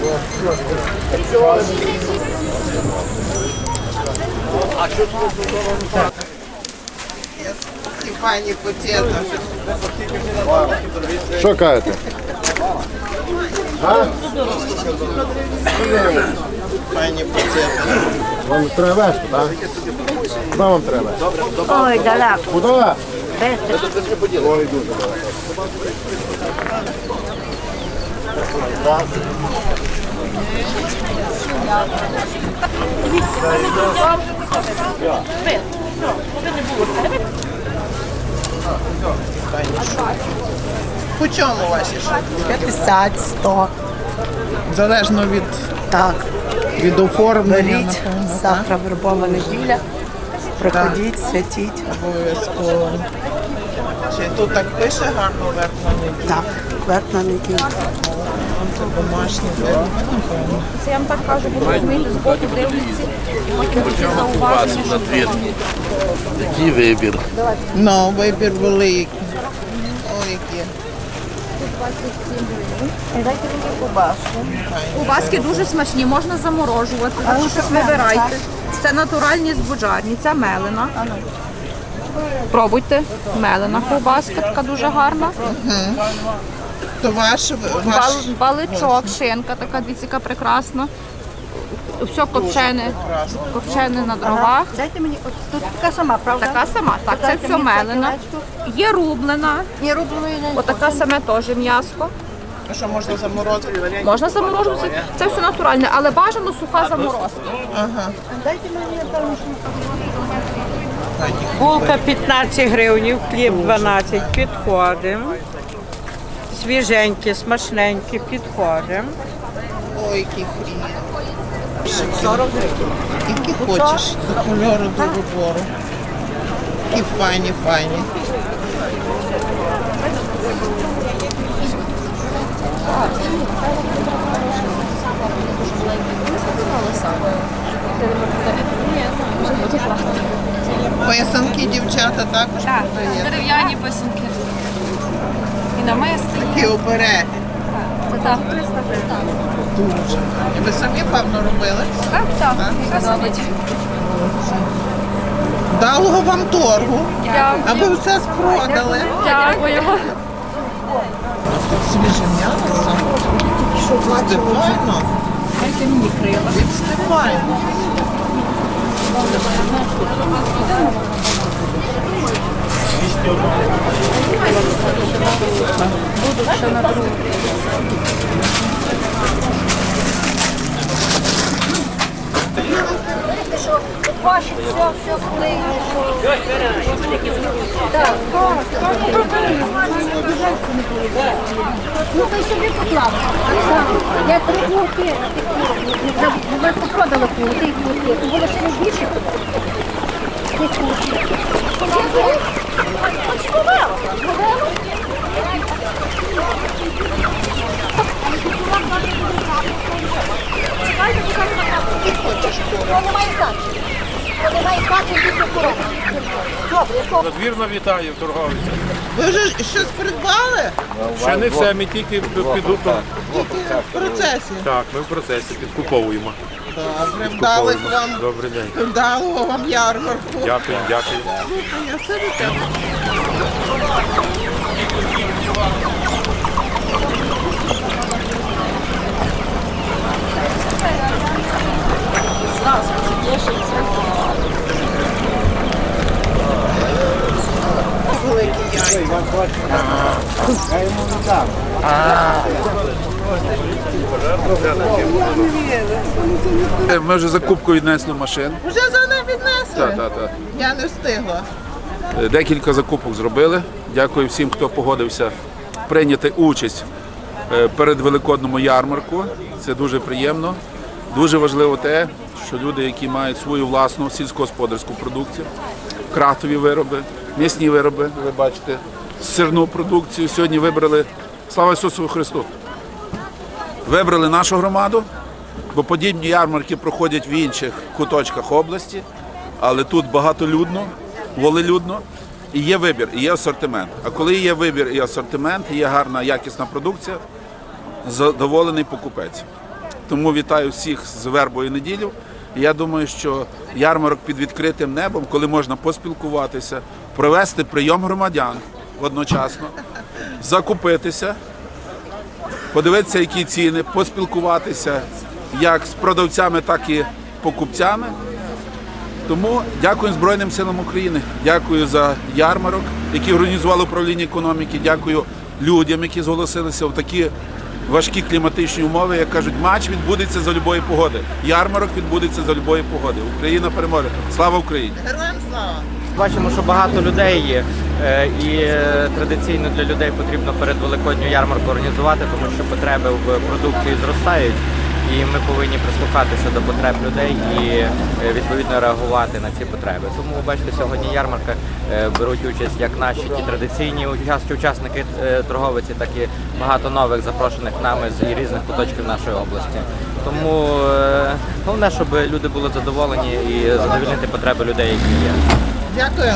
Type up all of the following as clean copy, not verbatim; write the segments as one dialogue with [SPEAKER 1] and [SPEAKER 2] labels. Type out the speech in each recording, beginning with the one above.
[SPEAKER 1] Файні потєта.
[SPEAKER 2] Що кажете?
[SPEAKER 1] Файні потєта.
[SPEAKER 2] Вам треба вести, так? Куди вам треба?
[SPEAKER 3] Ой, далеко.
[SPEAKER 2] Куди? Ой, дуже далеко.
[SPEAKER 1] По чому ваші шапки?
[SPEAKER 3] 50, 100.
[SPEAKER 1] Залежно від,
[SPEAKER 3] Так.
[SPEAKER 1] від оформлення,
[SPEAKER 3] Беріть.
[SPEAKER 1] напевно. так?
[SPEAKER 3] Завтра вербова неділя. Приходіть, святіть.
[SPEAKER 1] Обов'язково. Чи тут так пише гарно верх на неділю?
[SPEAKER 3] Так, верхна неділя.
[SPEAKER 1] Це домашній верх.
[SPEAKER 4] Це я вам так кажу, бо розумієте, з боку дивляться, потім такі зауваження, що
[SPEAKER 5] Який вибір?
[SPEAKER 1] Ну, вибір великий. Ой, які.
[SPEAKER 4] 27 гривень. Дайте мені кубаску. Кубаски дуже смачні, можна заморожувати. Так що щось вибирайте. Це натуральні збуджарні, це мелена. Пробуйте. Мелена ковбаска, така дуже гарна.
[SPEAKER 1] То ваш
[SPEAKER 4] Баличок, шинка, така дивіться, яка прекрасна. Все копчене на дровах.
[SPEAKER 3] Дайте мені, тут така сама, правда?
[SPEAKER 4] Така сама, так, це все мелена. Є рублена.
[SPEAKER 3] Ні, рубленої не
[SPEAKER 4] Отака саме теж м'яско.
[SPEAKER 1] що можна заморозити?
[SPEAKER 4] Можна заморожувати. Це все натуральне, але бажано суха заморозка.
[SPEAKER 3] Дайте мені, напевно,
[SPEAKER 6] Булка 15 гривень, хліб 12, підходимо. Свіженькі, смачненькі, підходимо.
[SPEAKER 1] Ой, який хрін. 40 гривень. Які хочеш, до кольору, до вибору. Які файні, файні. Писанки дівчата також продають.
[SPEAKER 4] Дерев'яні писанки. І намисти.
[SPEAKER 1] Такі обереги.
[SPEAKER 4] Це так.
[SPEAKER 1] Дуже. І ви самі, певно, робили?
[SPEAKER 4] Так. Все робить.
[SPEAKER 1] Вдалого вам торгу, аби все спродали.
[SPEAKER 4] Дякуємо.
[SPEAKER 1] Тут свіже м'ясо. Стефайно. Від Стефайно.
[SPEAKER 3] Ваші, все вплине. Ну, то й собі поклав. Я 3 курки. Ви попродали курки, курки. Було ще не більше. Ті курки. Немає значення. Немає значення більше курок. Добре,
[SPEAKER 7] Надвірно вітаю, торговиця.
[SPEAKER 1] Ви вже щось придбали?
[SPEAKER 7] Ще не все, ми тільки піду.
[SPEAKER 1] Тільки в процесі.
[SPEAKER 7] Так, ми в процесі підкуповуємо.
[SPEAKER 1] Добре, вдалих вам.
[SPEAKER 7] Добрий день.
[SPEAKER 1] Вдалого вам ярмарку.
[SPEAKER 7] Дякую, дякую.
[SPEAKER 1] Слухай, я все до тебе. Великі яйця.
[SPEAKER 5] Ми вже закупку віднесли машин.
[SPEAKER 1] Вже за ним віднесли?
[SPEAKER 5] Так.
[SPEAKER 1] Я не встигла.
[SPEAKER 5] Декілька закупок зробили. Дякую всім, хто погодився прийняти участь перед Великодному ярмарку. Це дуже приємно. Дуже важливо те, що люди, які мають свою власну сільськогосподарську продукцію, крафтові вироби, м'ясні вироби, ви бачите, сирну продукцію. Сьогодні вибрали, слава Ісусу Христу, вибрали нашу громаду, бо подібні ярмарки проходять в інших куточках області, але тут багатолюдно, волелюдно, і є вибір, і є асортимент. А коли є вибір і асортимент, і є гарна, якісна продукція, задоволений покупець. Тому вітаю всіх з Вербою неділю. І я думаю, що ярмарок під відкритим небом, коли можна поспілкуватися, провести прийом громадян одночасно, закупитися, подивитися, які ціни, поспілкуватися як з продавцями, так і покупцями. Тому дякую Збройним силам України, дякую за ярмарок, який організувало управління економіки, дякую людям, які зголосилися в такі важкі кліматичні умови, як кажуть, матч відбудеться за любої погоди, ярмарок відбудеться за любої погоди. Україна переможе. Слава Україні!
[SPEAKER 1] Героям слава!
[SPEAKER 8] Бачимо, що багато людей є, і традиційно для людей потрібно перед Великодню ярмарку організувати, тому що потреби в продукції зростають, і ми повинні прислухатися до потреб людей і відповідно реагувати на ці потреби. Тому, бачите, сьогодні ярмарка беруть участь як наші ті традиційні учасники торговиці, так і багато нових запрошених нами з різних куточків нашої області. Тому головне, щоб люди були задоволені і задовольнити потреби людей, які є.
[SPEAKER 1] Дякую.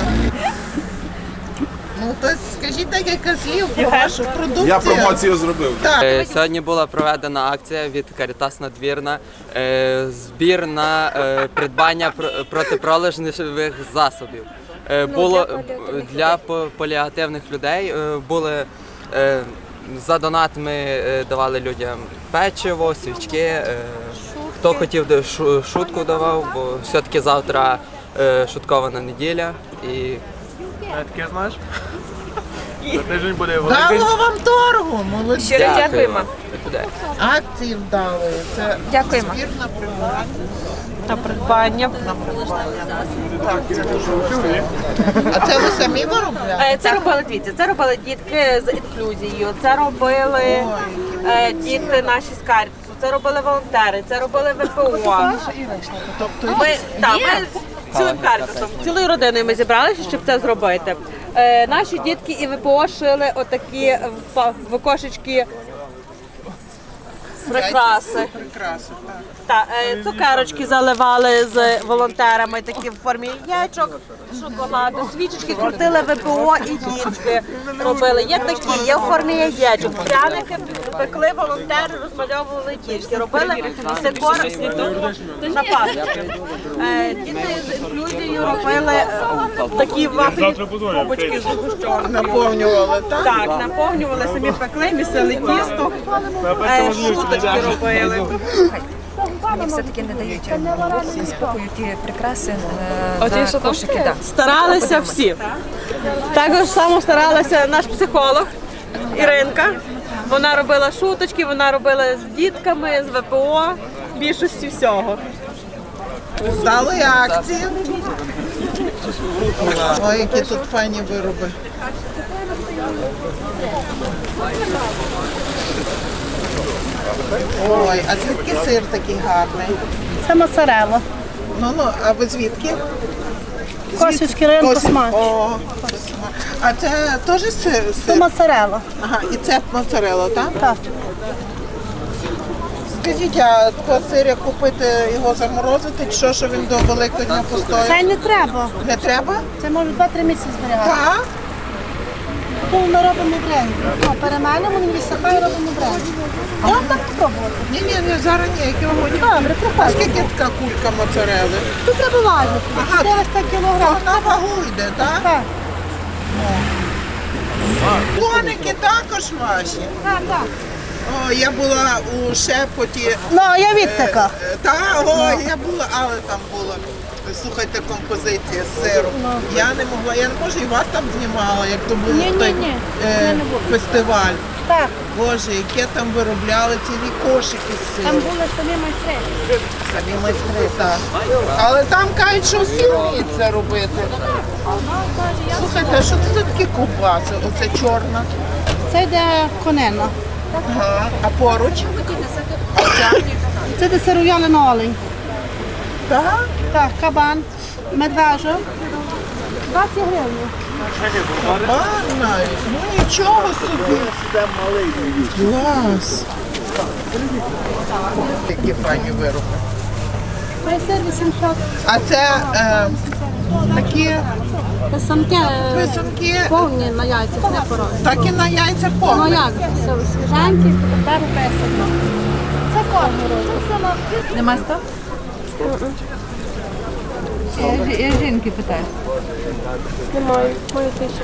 [SPEAKER 1] Ну, то скажіть декілька слів про вашу продукцію.
[SPEAKER 5] Я промоцію зробив.
[SPEAKER 1] Так.
[SPEAKER 9] Сьогодні була проведена акція від Карітас Надвірна, збір на придбання протипролежневих засобів. Було для поліативних людей, були за донат ми давали людям печиво, свічки, хто хотів шутку давав, бо все-таки завтра шуткована неділя. І
[SPEAKER 8] Таке знаєш? За тиждень буде
[SPEAKER 1] Вдалого вам торгу, молодці.
[SPEAKER 4] Щиро дякуємо.
[SPEAKER 1] Акції вдали. Це
[SPEAKER 4] Дякуємо.
[SPEAKER 1] збір на прибирання.
[SPEAKER 6] На придбання.
[SPEAKER 1] Так, це дуже важливо. А це ви самі виробляєте?
[SPEAKER 10] Це робили дивіться, це робили дітки з інклюзією, це робили діти наші з Карітасу, це робили волонтери, це робили ВПО. Ми цілим Карітасом, цілою родиною ми зібралися, щоб це зробити. Наші дітки і ВПО шили отакі в кошечки прикраси.
[SPEAKER 1] Прикраси, так.
[SPEAKER 10] Цукерочки заливали з волонтерами, такі в формі яєчок, шоколаду, свічечки крутили ВПО і дітки робили. Є такі, є в формі яєчок. Пряники пекли волонтери, розмальовували дітки. Робили декор на пасочки. Діти з інклюзією робили такі вафлі трубочки з гущонкою.
[SPEAKER 1] Наповнювали, так?
[SPEAKER 10] Так, наповнювали, самі пекли, місили тісто, шуточки робили.
[SPEAKER 4] Мені все-таки не дають спокою ті прикраси за кошики. Да.
[SPEAKER 10] Старалися всі. Також само старалася наш психолог Іринка. Вона робила шуточки, вона робила з дітками, з ВПО, більшості всього.
[SPEAKER 1] Вдали акції. Ой, які тут файні вироби. Ой, а звідки сир такий гарний?
[SPEAKER 3] Це моцарелла.
[SPEAKER 1] Ну, а ви звідки?
[SPEAKER 3] Косівський район Космач.
[SPEAKER 1] О, а це теж сир?
[SPEAKER 3] Це моцарелла.
[SPEAKER 1] Ага, і це моцарелла, так?
[SPEAKER 3] Так.
[SPEAKER 1] Скажіть, а такого сиря купити, його заморозити, чи що він до Великодня
[SPEAKER 3] Це
[SPEAKER 1] постоїть?
[SPEAKER 3] не треба.
[SPEAKER 1] Не треба?
[SPEAKER 3] Це може 2-3 місяці зберігати.
[SPEAKER 1] Так?
[SPEAKER 3] Тому ми робимо бренді. Перемелимо, він висихає, робимо бренді. Можна так спробувати.
[SPEAKER 1] Ні, зараз ні, які вагоні.
[SPEAKER 3] Добре,
[SPEAKER 1] А
[SPEAKER 3] приходьте.
[SPEAKER 1] скільки така кулька моцарели?
[SPEAKER 3] Тут треба важити.
[SPEAKER 1] Ага.
[SPEAKER 3] 400 кілограм.
[SPEAKER 1] На вагу йде, так?
[SPEAKER 3] Так,
[SPEAKER 1] Коники також ваші.
[SPEAKER 3] так, так.
[SPEAKER 1] О, я була у Шепоті.
[SPEAKER 3] Ну, я від така.
[SPEAKER 1] Я була, але там була, слухайте, композиція з сиром. Я не могла, я не можу, і вас там знімала, як то був
[SPEAKER 3] Ні,
[SPEAKER 1] той
[SPEAKER 3] це не було.
[SPEAKER 1] фестиваль.
[SPEAKER 3] Так,
[SPEAKER 1] Боже, яке там виробляли цілі кошики з
[SPEAKER 3] там
[SPEAKER 1] сиром.
[SPEAKER 3] були самі майстри.
[SPEAKER 1] Самі майстри, так. Але там кажуть, що всі вміють це робити. Слухайте, що це за такі ковбаси? Оце чорна.
[SPEAKER 3] Це йде конина.
[SPEAKER 1] Ага. А поруч?
[SPEAKER 3] Це йде сиров'ялений олень.
[SPEAKER 1] Так?
[SPEAKER 3] Так, кабан, медвежо. 20 гривень.
[SPEAKER 1] Кабан навіть. Ну нічого собі. Клас. Які файні вироби.
[SPEAKER 3] Майсер 800.
[SPEAKER 1] А це такі
[SPEAKER 3] Писанки
[SPEAKER 1] писанки,
[SPEAKER 3] повні на яйцях, не порожні.
[SPEAKER 1] так і на яйця
[SPEAKER 3] Ну
[SPEAKER 1] повні.
[SPEAKER 3] як? Свіженькі, тепер писано. Це кожен робить.
[SPEAKER 4] Нема 100? Я жінки питаю.
[SPEAKER 6] Немає, маю 1000.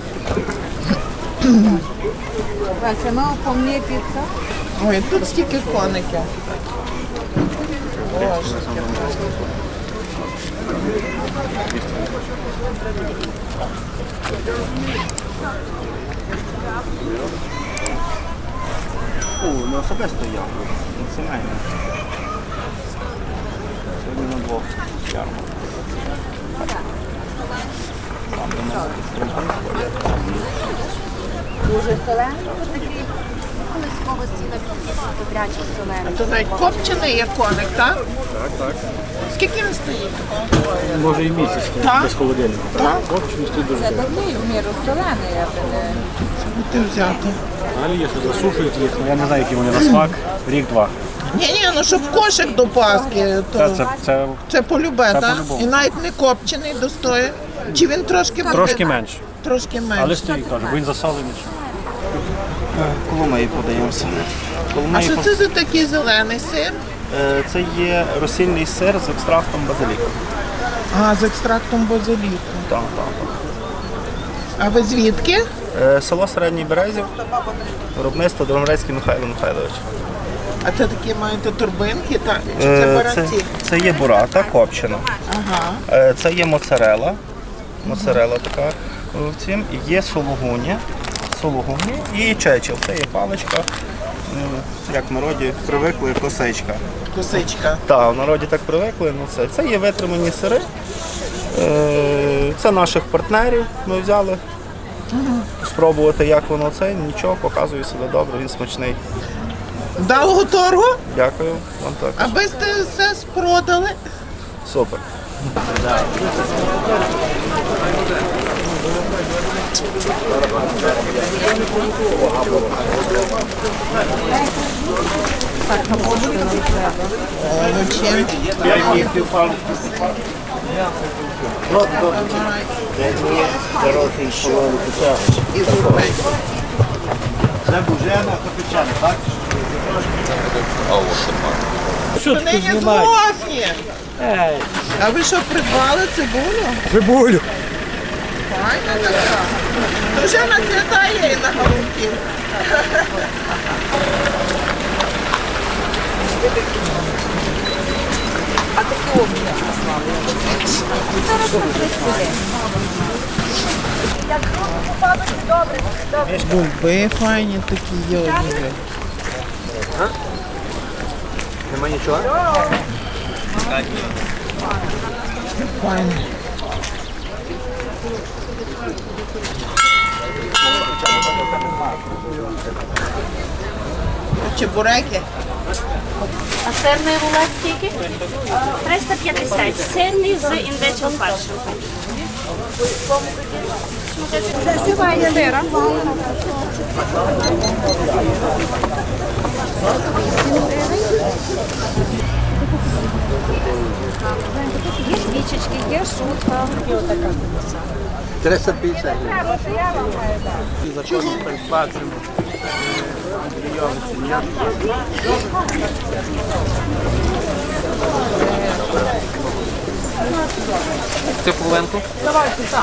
[SPEAKER 4] Вася, ну, по мені піца.
[SPEAKER 1] Ой, тут стільки коників. Боже,
[SPEAKER 2] Не особисто я, сімейно. Сьогодні на двох ярмарках.
[SPEAKER 3] Дуже солений, такий колись сіла добрячий солений.
[SPEAKER 1] то навіть копчений є коник, так? Так. Скільки він стоїть?
[SPEAKER 2] Може і місяць,
[SPEAKER 1] Так?
[SPEAKER 2] без холодильника.
[SPEAKER 1] Так?
[SPEAKER 2] Стоїть дуже.
[SPEAKER 4] Це такий в міру солений, я би не...
[SPEAKER 1] Ти взяти.
[SPEAKER 2] Взагалі, якщо засушують їх, я не знаю, які вони на смак, рік-два.
[SPEAKER 1] Ні, ну щоб кошик до Пасхи, то це полюбе,
[SPEAKER 2] це
[SPEAKER 1] так?
[SPEAKER 2] по-любому.
[SPEAKER 1] І навіть не копчений достоє. Чи він трошки буде?
[SPEAKER 2] Трошки менше.
[SPEAKER 1] Трошки менше.
[SPEAKER 2] Але стоїть, кажу, бо він засолений. Коломиї подаємося.
[SPEAKER 1] А що це за такий зелений сир?
[SPEAKER 2] Це є розсільний сир з екстрактом базиліку.
[SPEAKER 1] А, з екстрактом базиліку.
[SPEAKER 2] Так.
[SPEAKER 1] А ви звідки?
[SPEAKER 2] Село Середній Березів, виробництво Дромрецький Михайло Михайлович.
[SPEAKER 1] А це такі маєте турбинки, так? Чи це баранці?
[SPEAKER 2] Це є бурата копчена.
[SPEAKER 1] Ага.
[SPEAKER 2] Це є моцарела така в цім. І є сулугуні і чечил. Це є паличка, як в народі привикли, косичка.
[SPEAKER 1] Косичка.
[SPEAKER 2] Так, в народі так привикли. Це є витримані сири. Це наших партнерів ми взяли. Спробувати, як воно це, нічого, показує себе добре, він смачний.
[SPEAKER 1] Вдалого торгу?
[SPEAKER 2] Дякую вам так.
[SPEAKER 1] Аби сте все спродали.
[SPEAKER 2] Супер.
[SPEAKER 1] Це бужена капічана, так? Вони не злосні. А ви що, придбали цибулю?
[SPEAKER 2] Цибулю.
[SPEAKER 1] Файна така. То вже на свята є і на голубки.
[SPEAKER 4] А такі обміни послали.
[SPEAKER 1] Бульби файні такі є одні.
[SPEAKER 8] Нема нічого?
[SPEAKER 1] Файні. Чебуреки.
[SPEAKER 11] А сирний рулет скільки? 350. Сирний з індичим фаршем.
[SPEAKER 4] Засіває сира.
[SPEAKER 3] Є свічечки, є шутка.
[SPEAKER 2] 350.
[SPEAKER 8] Цю половинку?
[SPEAKER 4] Давайте сам.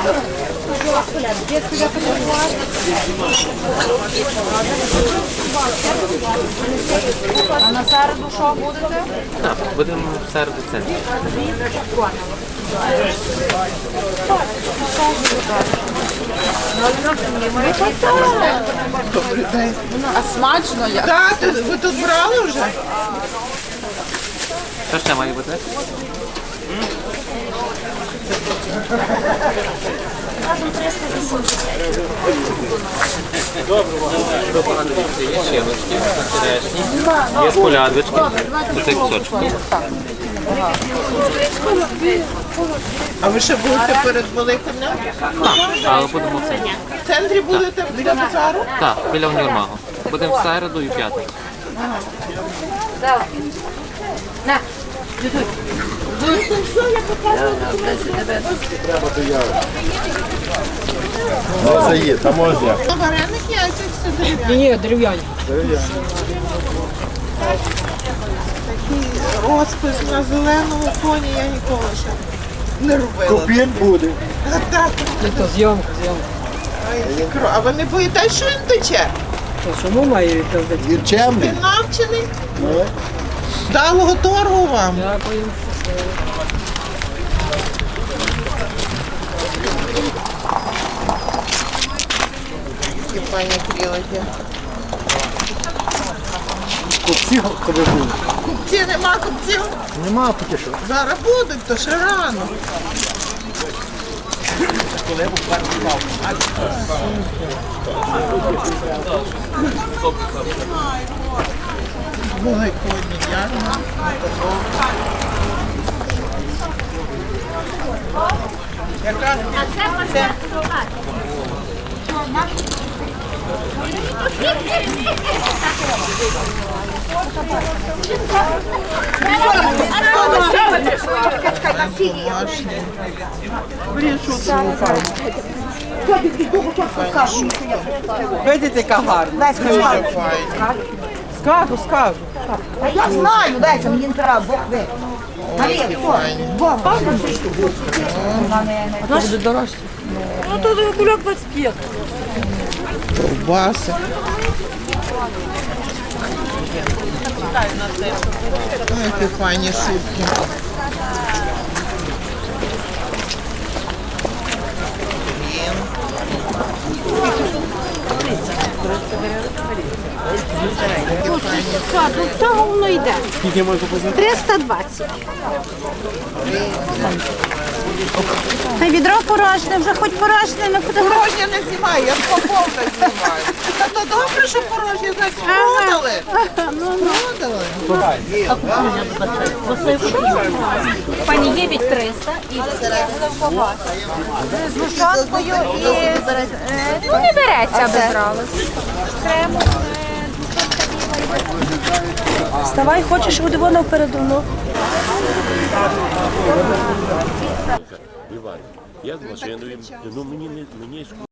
[SPEAKER 4] А на середу що будете?
[SPEAKER 8] Так, будемо в середу це.
[SPEAKER 1] Добрий день.
[SPEAKER 4] А смачно як?
[SPEAKER 1] Так, ви тут брали вже?
[SPEAKER 8] Що ще має бути?
[SPEAKER 11] Разом 380.
[SPEAKER 8] Є щелочки, черешні, є колядочки, оце кусочки.
[SPEAKER 1] А ви ще будете перед Великоднем?
[SPEAKER 8] Так, але будемо це.
[SPEAKER 1] В центрі будете біля базару?
[SPEAKER 8] Так, біля універмагу. Будемо в середу і в п'ятницю.
[SPEAKER 3] На,
[SPEAKER 2] Це є, там можна.
[SPEAKER 1] Вареник яйця все дерев'яні.
[SPEAKER 10] Ні, дерев'яні.
[SPEAKER 1] Такі розпис на зеленому фоні я ніколи ще не робила.
[SPEAKER 12] Купін буде.
[SPEAKER 1] Так.
[SPEAKER 12] Це зйомка.
[SPEAKER 1] Ай, а ви не боїтесь, що він тече?
[SPEAKER 12] Чому має відповідати? Він чемний.
[SPEAKER 1] Ти навчений? Вдалого торгу вам.
[SPEAKER 12] Дякую.
[SPEAKER 1] Які пані крілики.
[SPEAKER 12] Купці коли були?
[SPEAKER 1] Купці, нема купців?
[SPEAKER 12] Нема поки що.
[SPEAKER 1] Зараз будуть, то ще рано. Великодні ярмарки.
[SPEAKER 12] Видите, яка гарна. Скажу.
[SPEAKER 3] А я знаю, дайте мені не треба, Бог ви.
[SPEAKER 12] Буде дорожче. Ну, тут кульок 25.
[SPEAKER 1] Ковбаси. Ой, які файні шубки.
[SPEAKER 10] До цього воно йде. 320. Та відро порожне, вже хоч порожне не фотографує.
[SPEAKER 1] Порожнє не знімаю, я повне знімаю. Та то добре, що порожнє, значить продали. Продали.
[SPEAKER 11] Пані є від 300 і
[SPEAKER 3] З лушонкою і...
[SPEAKER 11] ну не береться, аби брали.
[SPEAKER 10] Вставай, хочеш, буде воно впереду.
[SPEAKER 13] Я з машиною, ну мені